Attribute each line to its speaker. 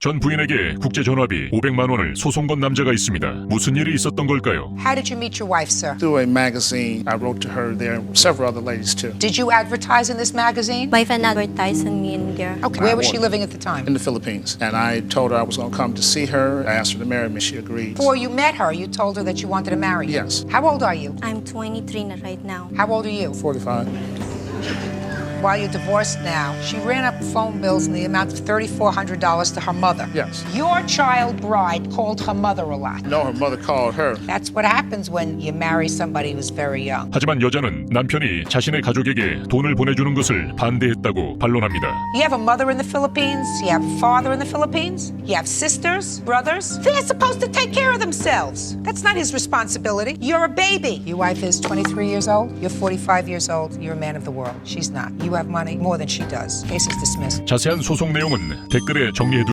Speaker 1: 전 부인에게 국제 전화비 500만 원을 소송 건 남자가 있습니다. 무슨 일이 있었던 걸까요?
Speaker 2: How did you meet your wife, sir?
Speaker 3: Through a magazine, I wrote to her. There were several other ladies too.
Speaker 2: Did you advertise in this magazine?
Speaker 4: My friend advertised on me in there.
Speaker 2: Okay. Where was she living at the time?
Speaker 3: In the Philippines. And I told her I was going to come to see her. I asked her to marry me. She agreed.
Speaker 2: Before you met her, you told her that you wanted to marry her.
Speaker 3: Yes.
Speaker 2: How old are you?
Speaker 4: I'm 23 na right now.
Speaker 2: How old are you?
Speaker 3: 45.
Speaker 2: While you're divorced now, she ran up phone bills in the amount of $3,400 to her mother.
Speaker 3: Yes.
Speaker 2: Your child bride called her mother a lot.
Speaker 3: No, her mother called her.
Speaker 2: That's what happens when you marry somebody who's very young.
Speaker 1: 하지만 여자는 남편이 자신의 가족에게 돈을 보내주는 것을 반대했다고 반론합니다.
Speaker 2: You have a mother in the Philippines, you have a father in the Philippines, you have sisters, brothers. They're supposed to take care of themselves. That's not his responsibility. You're a baby. Your wife is 23 years old, you're 45 years old, you're a man of the world. She's not. You have money more than she does. Case is dismissed.
Speaker 1: 자세한 소송 내용은 댓글에 정리해